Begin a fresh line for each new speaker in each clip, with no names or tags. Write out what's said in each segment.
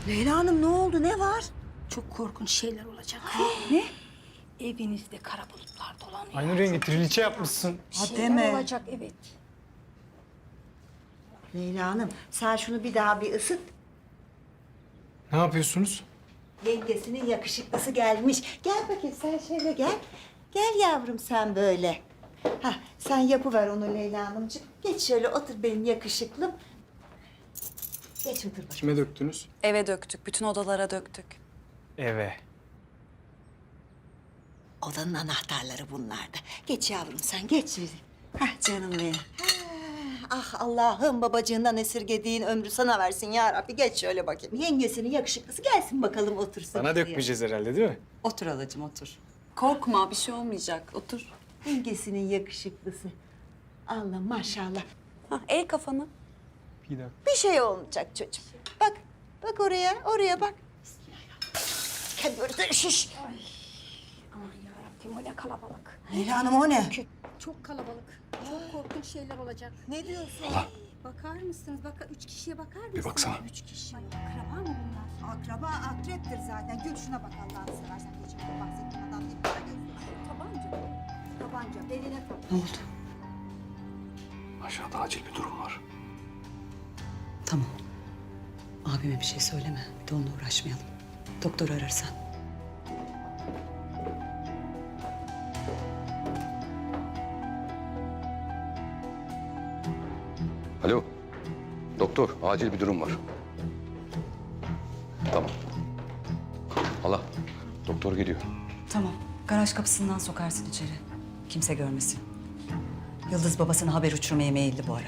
Leyla Hanım ne oldu? Ne var?
Çok korkunç şeyler olacak.
Ne?
Evinizde kara bulutlar dolanıyor.
Aynı rengi triliçe yapmışsın.
Ha,
Şeyler
deme.
olacak, evet.
Leyla Hanım sen şunu bir daha bir ısıt.
Ne yapıyorsunuz?
Yengesinin yakışıklısı gelmiş. Gel bakayım sen şöyle gel. Gel yavrum sen böyle. Hah, sen yapıver onu Leyla Hanımcığım. Geç şöyle otur benim yakışıklım. Geç otur bakayım.
Kime döktünüz?
Eve döktük, bütün odalara döktük.
Eve.
Odanın anahtarları bunlarda. Geç yavrum sen geç. Hah canım benim. Ah Allah'ım babacığından esirgediğin ömrü sana versin ya Rabbi. Geç şöyle bakayım. Yengesinin yakışıklısı gelsin bakalım otursun.
Sana
şuraya.
dökmeyeceğiz herhalde değil mi?
Otur halacığım otur.
Korkma, bir şey olmayacak. Otur.
Yengesinin yakışıklısı. Allah maşallah.
Hah, eğ kafanı.
Bir dakika.
Bir şey olmayacak çocuğum. Bak, bak oraya bak. Bismillahirrahmanirrahim. Şiş.
Aman yarabbim, o ne kalabalık.
Leyla Hanım o ne?
Çok kalabalık. Çok korkunç şeyler olacak.
Ne diyorsun?
Bakar mısınız? Üç kişiye bakar mısınız?
Bir baksana.
3 kişi. Akraba mı bunlar?
Akraba akreptir zaten. Gül şuna bak Allah'ını seversen. Geçen bahsettiğim adam değil mi? Para gözlü.
Tabanca. Tabanca, beline tak.
Ne oldu?
Aşağıda acil bir durum var.
Tamam. Abime bir şey söyleme. Bir de onunla uğraşmayalım. Doktor ararsan.
Alo. Doktor, acil bir durum var. Tamam. Hala, doktor geliyor.
Tamam. Garaj kapısından sokarsın içeri. Kimse görmesin. Yıldız babasına haber uçurmaya meyilli bu ara.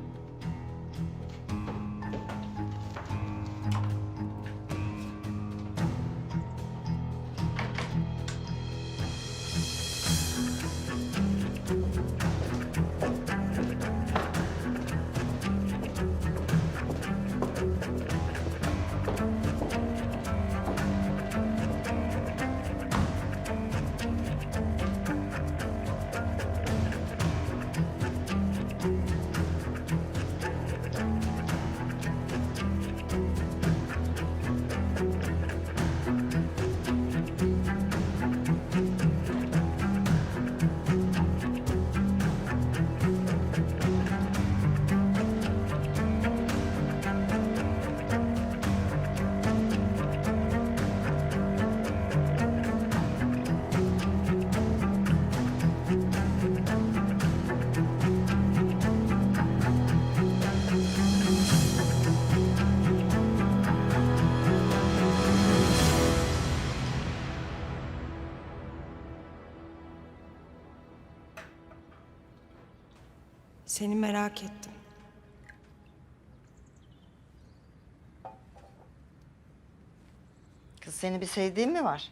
Seni merak ettim.
Kız seni bir sevdiğin mi var?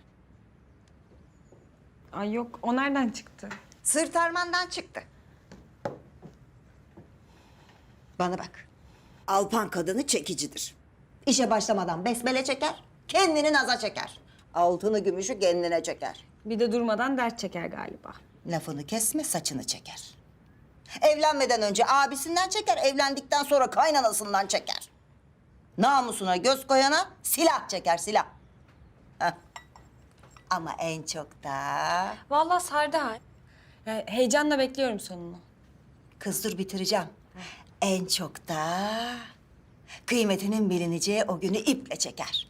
Ay yok, o nereden çıktı?
Sırt armandan çıktı. Bana bak. Alpan kadını çekicidir. İşe başlamadan besmele çeker, kendini naza çeker. Altını gümüşü kendine çeker.
Bir de durmadan dert çeker galiba.
Lafını kesme, saçını çeker. Evlenmeden önce abisinden çeker, evlendikten sonra kaynanasından çeker. Namusuna göz koyana silah çeker, silah. Heh. Ama en çok da...
Vallahi sardı ha. Yani heyecanla bekliyorum sonunu.
Kız dur bitireceğim. En çok da kıymetinin bilineceği o günü iple çeker.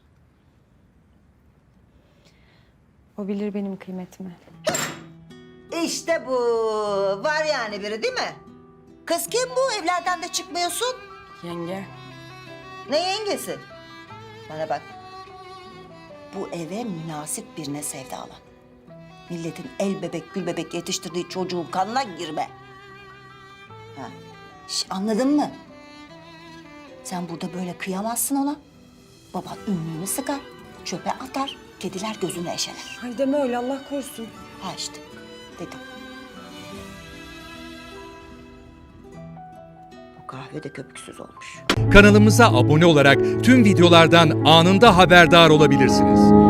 O bilir benim kıymetimi.
İşte bu. Var yani biri değil mi? Kız kim bu? Evlerden de çıkmıyorsun.
Yenge.
Ne yengesi? Bana bak. Bu eve münasip birine sevdalan. Milletin el bebek gül bebek yetiştirdiği çocuğun kanına girme. Ha. Anladın mı? Sen burada böyle kıyamazsın ona. Baban ünlüğünü sıkar, çöpe atar, kediler gözünü eşeler.
Ay deme öyle, Allah korusun.
Ha işte, dedim. Bu kahve de köpüksüz olmuş.
Kanalımıza abone olarak tüm videolardan anında haberdar olabilirsiniz.